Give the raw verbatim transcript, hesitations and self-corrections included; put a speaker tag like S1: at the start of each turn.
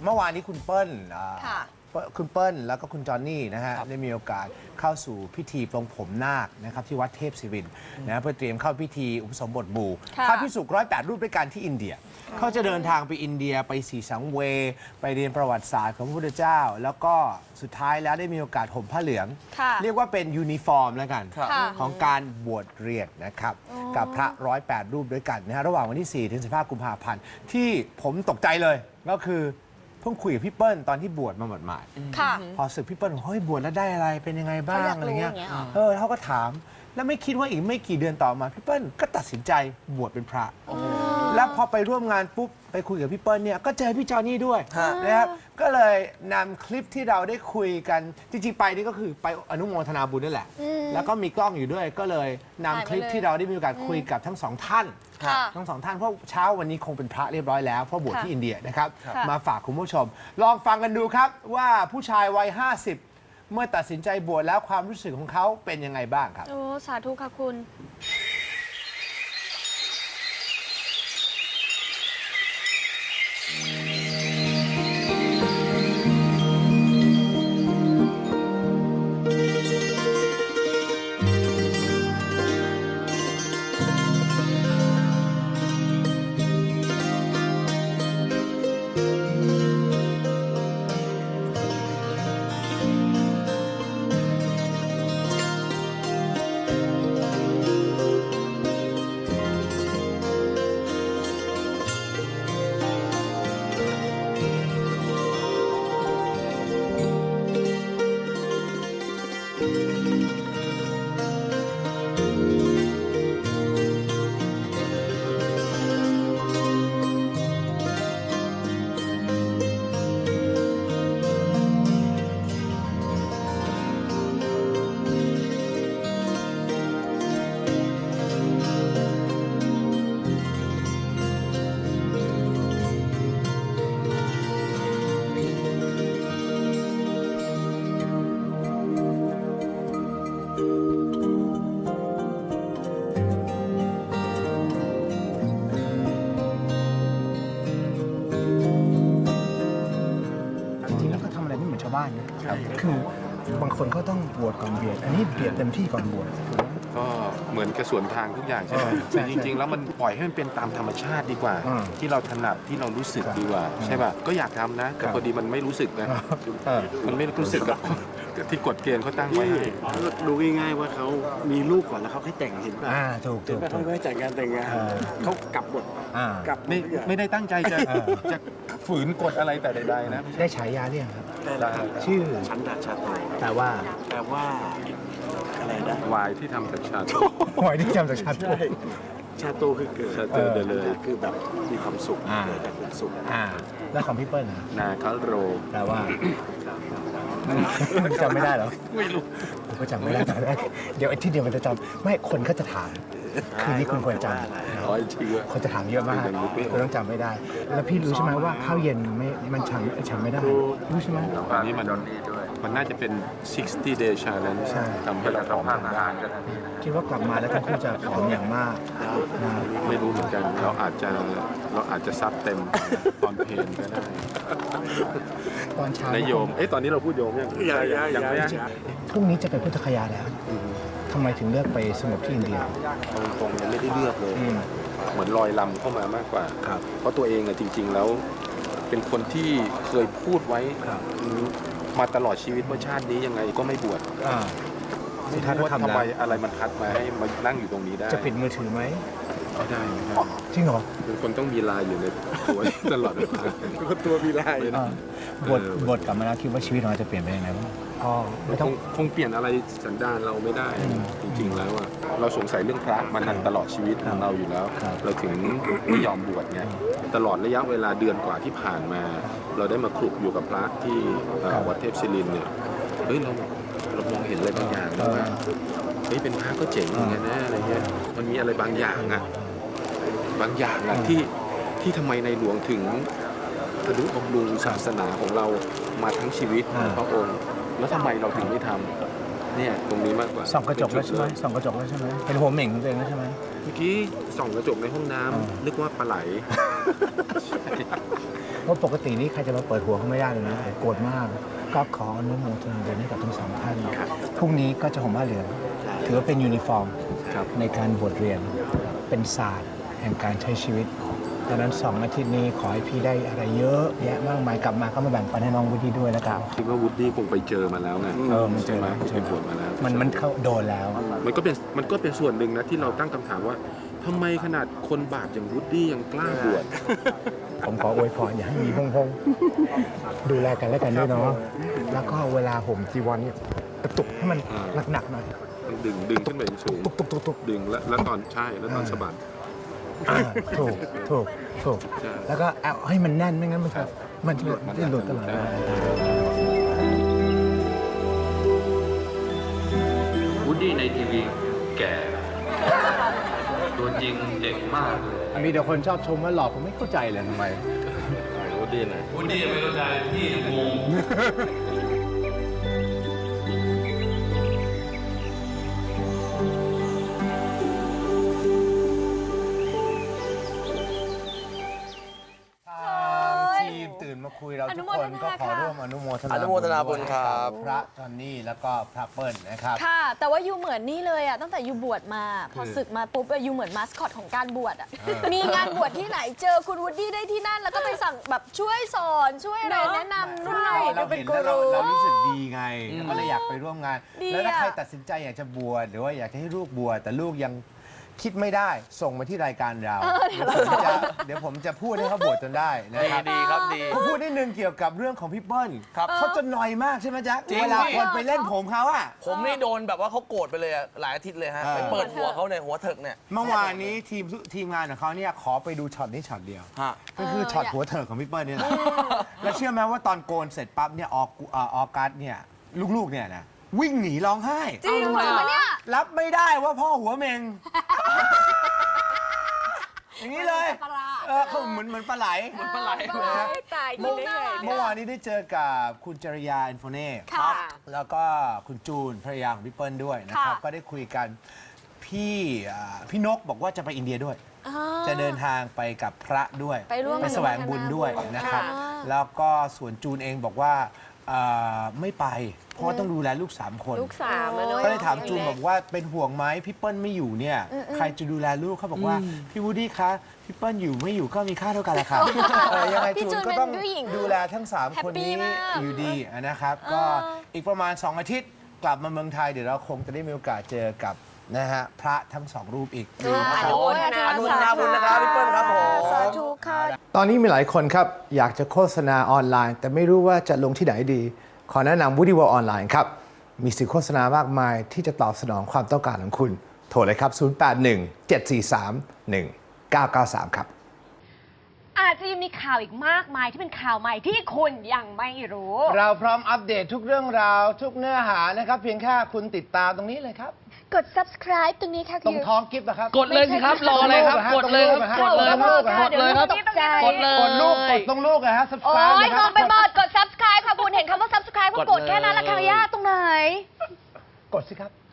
S1: เมื่อวานนี้คุณเปิ้ลคุณเปิ้ลแล้วก็คุณจอนนี่นะฮะได้มีโอกาสเข้าสู่พิธีปลงผมนาคนะครับที่วัดเทพศิรินทร์นะเพื่อเตรียมเข้าพิธีอุปสมบทหมู่พระภิกษุร้อยแปดรูปด้วยกันที่อินเดียเขาจะเดินทางไปอินเดียไปสีสังเวยไปเรียนประวัติศาสตร์ของพระพุทธเจ้าแล้วก็สุดท้ายแล้วได้มีโอกาสห่มผ้าเหลืองเรียกว่าเป็นยูนิฟอร์มแล้วกันของการบวชเรียนนะครับกับพระร้อยแปดรูปด้วยกันนะฮะระหว่างวันที่สี่ถึงสิบห้ากุมภาพันธ์ที่ผมตกใจเลยก็คือเพิ่งคุยกับพี่เปิ้ลตอนที่บวชมาหมาดๆพอสึกพี่เปิ้ลเฮ้ยบวชแล้วได้อะไรเป็นยังไงบ้างอะไรเงี้ยเออเขาก็ถามแล้วไม่คิดว่าอีกไม่กี่เดือนต่อมาพี่เปิ้ลก็ตัดสินใจบวชเป็นพระแล้วพอไปร่วมงานปุ๊บไปคุยกับพี่เปิ้ลเนี่ยก็เจอพี่จอนี่ด้วยนะครับก็เลยนำคลิปที่เราได้คุยกันจริงๆไปนี่ก็คือไปอนุโมทนาบุญนั่นแหละแล้วก็มีกล้องอยู่ด้วยก็เลยนำคลิปที่เราได้มีโอกาสคุยกับทั้งสองท่านทั้งสองท่านเพราะเช้าวันนี้คงเป็นพระเรียบร้อยแล้วเพราะบวชที่อินเดียนะครับมาฝากคุณผู้ชมลองฟังกันดูครับว่าผู้ชายวัยห้าสิบเมื่อตัดสินใจบวชแล้วความรู้สึกของเขาเป็นยังไงบ้างครับ
S2: โอ้สาธุค่ะคุณ
S1: บ้านนะครับคือบางคนเขาต้องบวชก่อนเบียดอันนี้เบียดเต็มที่ก่อนบวช
S3: ก็เหมือนกระสวนทางทุกอย่างใช่ไหมแต่จริงๆแล้วมันปล่อยให้มันเป็นตามธรรมชาติดีกว่าที่เราถนัดที่เรารู้สึกดีกว่าใช่ป่ะก็อยากทำนะแต่พอดีมันไม่รู้สึกนะมันไม่รู้สึกกับที่กฎเกณฑ์เขาตั้งไว้
S4: ดูง่ายๆว่าเขามีลูกก่อนแล้วเขาให้แต่งเห็นป่ะ
S1: ถูกถูก
S4: เขาไม่แต่งงานแต่งงานเขากลับหมด
S3: กลับไม่ไม่ได้ตั้งใจจะจะฝืนกฎอะไรแต่ใดๆนะ
S1: ได้ฉายาเรียกครับ
S4: ชื่อฉันดาชาโต
S1: แต่ว่า
S4: แต่ว่าอะไรนะ
S3: วายที่ทำจากชาโต
S1: วายที่ทำจากชาโต
S4: ชาโตคือเกิด
S3: ชาโตเดเลย
S4: คือแบบมีความสุขเกิดจากความสุข
S1: แล้วของพี่เปิ้ล
S3: นาคาโร
S1: แปลว่าจำไม่ได้หรอ
S3: ไม่รู้
S1: ผมก็จำไม่ได้แต่แรกเดี๋ยวที่เดียวมันจะจำไม่คนก็จะถามคืนนี้คุณควรจำคนจะถามเยอะมากคุณต้องจำไม่ได้แล้วพี่รู้ใช่ไหมว่าข้าวเย็นไม่มันฉันฉันไม่ได้รู้ใช่ไหม
S3: อันนี้มันมันน่าจะเป็นหกสิบ day challenge ทำให้เราผอมได้
S1: คิดว่ากลับมาแล้วทั้งคู่จะผอมอย่างมาก
S3: ไม่รู้เหมือนกันเราอาจจะเราอาจจะซับเต็มตอนเพลนก็ได้
S1: ตอนเช้าน
S3: ายโยมเอ๊ะตอนนี้เราพูดโยมยัง
S4: ยังไม่
S1: พรุ่งนี้จะเป็นพุทธคยาแล้วทำไมถึงเลือกไปสงบที่อินเดีย
S3: ตรงๆยังไม่ได้เลือกเลยเหมือนลอยลำเข้ามามากกว่าเพราะตัวเองอะจริงๆแล้วเป็นคนที่เคยพูดไว้มาตลอดชีวิตว่าชาตินี้ยังไงก็ไม่บวชไม่รู้ว่าทำไมอะไรมันพัดมาให้มานั่งอยู่ตรงนี้ได้
S1: จะปิดมือถือไหม
S3: ไม่ได้
S1: จริงเหรอ
S3: เป็นคนต้องมีลายอยู่ในตัวตลอดเวลา
S4: เป็นคนตัวมีลาย
S1: บทบทกลับมาแล้วคิดว่าชีวิตของเราจะเปลี่ยนไปยังไงบ้าง
S3: อ๋อไม่ต้องคงเปลี่ยนอะไรสันดานเราไม่ได้จริงๆแล้วอะเราสงสัยเรื่องพระมานานตลอดชีวิตของเราอยู่แล้วเราถึงไม่ยอมบวชไงตลอดระยะเวลาเดือนกว่าที่ผ่านมา เราได้มาคลุกอยู่กับพระที่วัดเทพศิรินทร์เนี่ยเฮ้ยเราเรามองเห็นอะไรบางอย่างนะว่าเฮ้ยเป็นพระก็เจ๋งเหมือนกันนะอะไรเงี้ยมันมีอะไรบางอย่างอะบางอย่างอะที่ที่ทำไมในหลวงถึงอนุบำรุงศาสนาของเรามาทั้งชีวิตพระองค์แล้วทำไมเราถึงไม่ทำเนี่ยตรงนี้มากกว่า
S1: ส่องกระจกแล้วใช่ไหมส่องกระจกแล้วใช่ไหมเป็นหัวเหม่งของตัวเองแล้วใช่ไหม
S3: เมื่อกี้ส่องกระจกในห้องน้ำนึกว่าปลาไหล
S1: เพราะปกตินี้ใครจะมาเปิดหัวเขาไม่ได้เลยนะโกรธมากก็ขออนุโมทนาบุญให้กับทั้งสองท่านพรุ่งนี้ก็จะห่มผ้าเหลืองถือว่าเป็นยูนิฟอร์มในการบวชเรียนเป็นศาสตร์แห่งการใช้ชีวิตดังนั้นสองอาทิตย์นี้ขอให้พี่ได้อะไรเยอะแยะมากมายกลับมาก็มาแบ่งปันให้น้องวุฒิด้วยแล้วกัน
S3: คิดว่าวูดดี้คงไปเจอมาแล้วไง
S1: เออมันเจอ
S3: ไหม
S1: แล้ว
S3: ไปบวชมาแล้ว
S1: มันมันเข้าโดนแล้ว
S3: มันก็เป็นมันก็เป็นส่วนหนึ่งนะที่เราตั้งคำถามว่าทำไมขนาดคนบาปอย่างวูดดี้ยังกล้าบวช
S1: ผมขออวยพรอย่าให้มีพงพงดูแลกันและกันด้วยเนาะแล้วก็เวลาห่มจีวรเนี่ยกระตุกให้มันหนักๆหน่อย
S3: ต้องดึงดึงขึ้นไปสูง
S1: ตุกตุกตุกตุก
S3: ดึงแล้วแล้วตอนใช่แล้วตอนสะบัด
S1: อ่าถูกถูกถูก
S3: ใช่
S1: แล้วก็เอาให้มันแน่นไม่งั้นมันจะมันจะจะหลุดตลอดเวลา
S2: วูดดี้ในทีวีแก่ ตัวจริงเด็กมากเลย
S1: มีแต่คนชอบชมว่าหล่อผมไม่เข้าใจเลยทำไม
S2: วูดดี้ไม่เข้าใจพี่งง
S1: ทีมตื่นมาคุยเราทุกคนก็ขอร่วมอนุโมทนา
S5: อนุโมทนาบุญครับ
S1: พระจอนนี่แล้วก็พระเปิ้ลนะครับ
S6: ค่ะ แต่ว่ายูเหมือนนี่เลยอ่ะตั้งแต่ยูบวชมา พอศึกมาปุ๊บยูเหมือนมาสคอตของการบวชอ่ะมีงานบวชที่ไหนเจอคุณวูดดี้ได้ที่นั่น แล้วก็ไปสั่งแบบช่วยสอนช่วยอะไรแนะนำนู่นนี่
S1: เรา
S6: เป็
S1: เห็
S6: น
S1: น
S6: กู
S1: แล้วเรา
S6: รู
S1: เรารู้สึกดีไงก็เลยอยากไปร่วมงาน
S6: ดี
S1: แล้วถ้า
S6: อะ
S1: ใครตัดสินใจอยากจะบวชหรือว่าอยากจะให้ลูกบวชแต่ลูกยังคิดไม่ได้ส่งมาที่รายการเราเดี๋ยวผมจะเดี๋ยวผมจะพูดให้เขาบวชจนได้นะครับ
S5: ดีครับดี
S1: ผมพูดนิดนึงเกี่ยวกับเรื่องของพี่เปิ้ล
S5: ครับ
S1: เขาจะหน่อยมากใช่ไหมจ๊ะ
S5: จริง
S1: เวลาคนไปเล่นผมเขาอะ
S5: ผมนี่โดนแบบว่าเขาโกรธไปเลยอะหลายอาทิตย์เลยฮะ
S1: เออ
S5: ไปเปิดหัวเขาในหัวเถิกเนี่ย
S1: เมื่อวานนี้ทีมทีมงานของเขาเนี่ยขอไปดูช็อตนี้ช็อตเดียว
S5: ฮะ
S1: ก็คือช็อตหัวเถิกของพี่เปิ้ลนี่แหละแล้วเชื่อไหมว่าตอนโกนเสร็จปั๊บเนี่ยออกเอ่อออกัสเนี่ยลูกๆเนี่ยนะวิ่งหนีร้องไห้
S6: จริงเหรอเนี่ย
S1: รับไม่ได้ว่าพ่อหัวเมง อย่างนี้เลยเออเขาเหมือนเหมือนปลาไหลเหมือนปลาไหล
S6: ตาย
S1: เมื่อเมื่อวานนี้ได้เจอกับคุณจริยาอินโฟเน่
S6: ค่ะ
S1: แล้วก็คุณจูนภรรยาของพี่เปิ้ลด้วยนะครับ
S6: ค่ะ
S1: ก็ได้คุยกันพี่อ่าพี่นกบอกว่าจะไปอินเดียด้วย
S6: อ่า
S1: จะเดินทางไปกับพระด้วย
S6: ไปร่วม
S1: แสวงบุญด้วยนะครับ
S6: ค่ะ
S1: แล้วก็ส่วนจูนเองบอกว่าเอ่อไม่ไป เพราะว่าต้องดูแลลูกสามคน
S6: ลูกสามแล้วเนอะ
S1: ก็เลยถามจูนบอกว่าเป็นห่วงไหมพี่เปิ้ลไม่อยู่เนี่ยใครจะดูแลลูกเขาบอกว่าพี่วูดดี้คะพี่เปิ้ลอยู่ไม่อยู่ก็มีค่าเท่ากันแหละค่ะเออยังไง
S6: พี่
S1: จู
S6: จู
S1: น
S6: น
S1: ก็ต้อง
S6: เป็นผู้หญิง
S1: ดูแลทั้งสาม
S6: แฮป
S1: คน
S6: ปี้
S1: นี้
S6: มาก
S1: อยู่ดีนะครับ ก็อีกประมาณสองอาทิตย์กลับมาเมืองไทยเดี๋ยวเราคงจะได้มีโอกาสเจอกับนะฮะพระทั้งสองรูปอีก
S6: อนุโมทนา
S5: อนุโมทนาบุญนะครับพี่เปิ้ลครับผม
S6: สาธุค่ะ
S1: ตอนนี้มีหลายคนครับ อยากจะโฆษณาออนไลน์ แต่ไม่รู้ว่าจะลงที่ไหนดี ขอแนะนำ Woody World ออนไลน์ครับ มีสื่อโฆษณามากมายที่จะตอบสนองความต้องการของคุณ โทรเลยครับ ศูนย์ แปด หนึ่ง เจ็ด สี่ สาม หนึ่ง เก้า เก้า สาม ครับ
S7: อาจจะยังมีข่าวอีกมากมายที่เป็นข่าวใหม่ที่คุณยังไม่รู้
S1: เราพร้อมอัปเดตทุกเรื่องราวทุกเนื้อหานะครับ เพียงแค่คุณติดตามตรงนี้เลยครับ
S7: กด subscribe ตรงนี้ค่ะ
S1: ตรงท้องกิฟต์นะครับ
S8: กดเลยสิครับ รออะไรครับ กดเลยครับ กดเลยครับ กดเลยครับ กดเลย
S1: กดลูกกดตรงลูกนะฮะ
S7: โอ้
S1: subscribe
S7: ย
S1: นะค
S7: ง
S1: รับ
S7: งไปหมดกด subscribe ค่ะคุณเห็นคำว่า subscribe ก็กดแค่นั้นละค่ะยากตรงไหน
S1: กดสิครับ